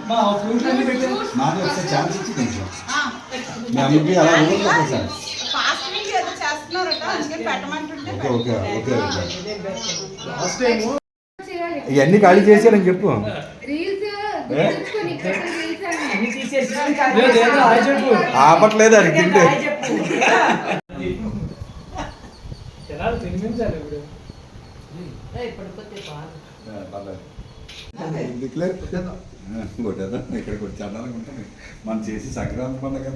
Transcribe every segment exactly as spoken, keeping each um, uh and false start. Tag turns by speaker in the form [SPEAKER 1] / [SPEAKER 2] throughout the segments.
[SPEAKER 1] మాది ఒకసారి ఛాన్స్ ఇచ్చి కొంచెం మీ అమ్మకి అలా ఊరుకోండి సార్. ఓకే ఓకే ఓకే ఇవన్నీ ఖాళీ చేశారని చెప్పు. ఆపట్లేదు అది తింటే కొట్టేదా ఇక్కడ కొట్టి చండాలంగా ఉంటుంది మనం చేసి సంక్రాంతి పండుగ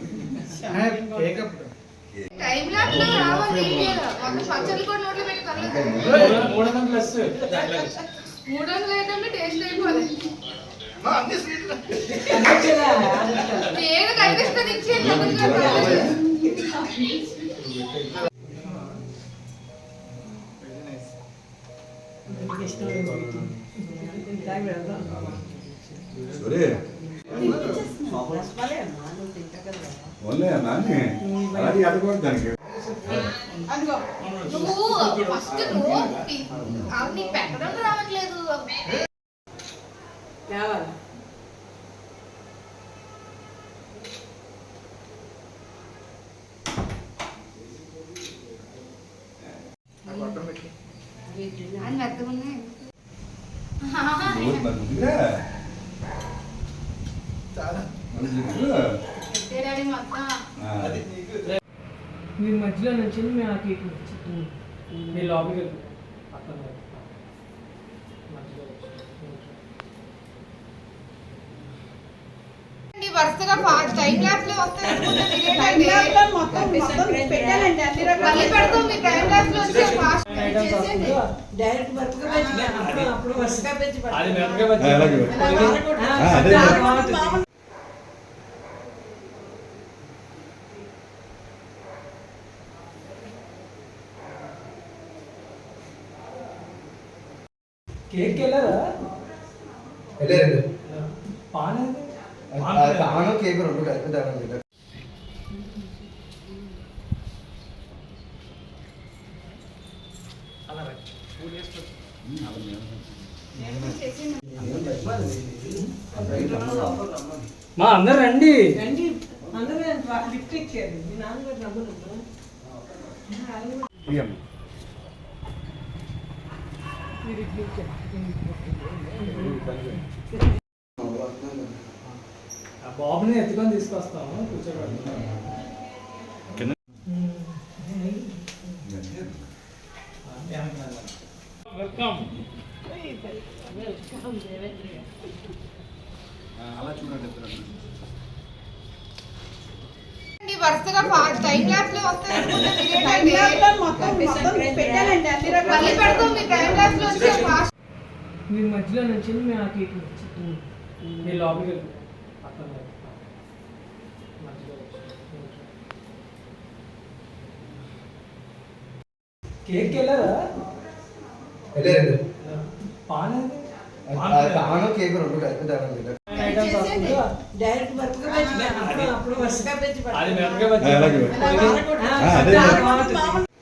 [SPEAKER 1] ఓన్లే నాని అది అడగకూడదు దానికి
[SPEAKER 2] పెట్టడం రావట్లేదు.
[SPEAKER 3] మీ మధ్యలో నుంచి మేము ఆ కేక్ మీ లాబీకి
[SPEAKER 2] వరుసగా టైం ల్యాబ్స్ లో వస్తాయి మొత్తం పెట్టాలండి అన్ని రకాలు పెడతాం. మీ టైం ల్యాబ్స్ లో వచ్చే ఫాస్ట్ డైరెక్ట్ వర్క్ గా పెంచి అప్పుడు వర్క్ గా పెంచి అది వర్క్ గా పెంచి అదే కేక్ వెళ్ళారా
[SPEAKER 4] వెళ్ళారండి.
[SPEAKER 3] పాన్
[SPEAKER 4] పాను కేక్ రెండు కలిపి తేడా.
[SPEAKER 3] మా అందరు రండి
[SPEAKER 5] అందరూ లిఫ్ట్ ఇచ్చారు. మీ నాన్నగారు డబ్బులు
[SPEAKER 3] బాబుని ఎత్తుకొని తీసుకొస్తాము కూర్చోబెడతాం.
[SPEAKER 2] వరుసగా టైం ల్యాబ్స్ లో వస్తాయి మొత్తం పెట్టాలండి అన్ని రకాలు పెడతాం. మీ టైం ల్యాబ్స్ లో వచ్చే ఫాస్ట్
[SPEAKER 3] మీ మధ్యలో నుంచి మేము ఆ కేక్ మీ లాబీకి కేక్ వెళ్ళారా
[SPEAKER 4] వెళ్ళారండి.
[SPEAKER 3] పాన్
[SPEAKER 4] పాను కేక్ రెండు కలిపి తేడా.
[SPEAKER 5] డైరెక్ట్ వర్క్ గా పెంచి అప్పుడు వర్క్ గా పెంచి
[SPEAKER 3] అది వర్క్ గా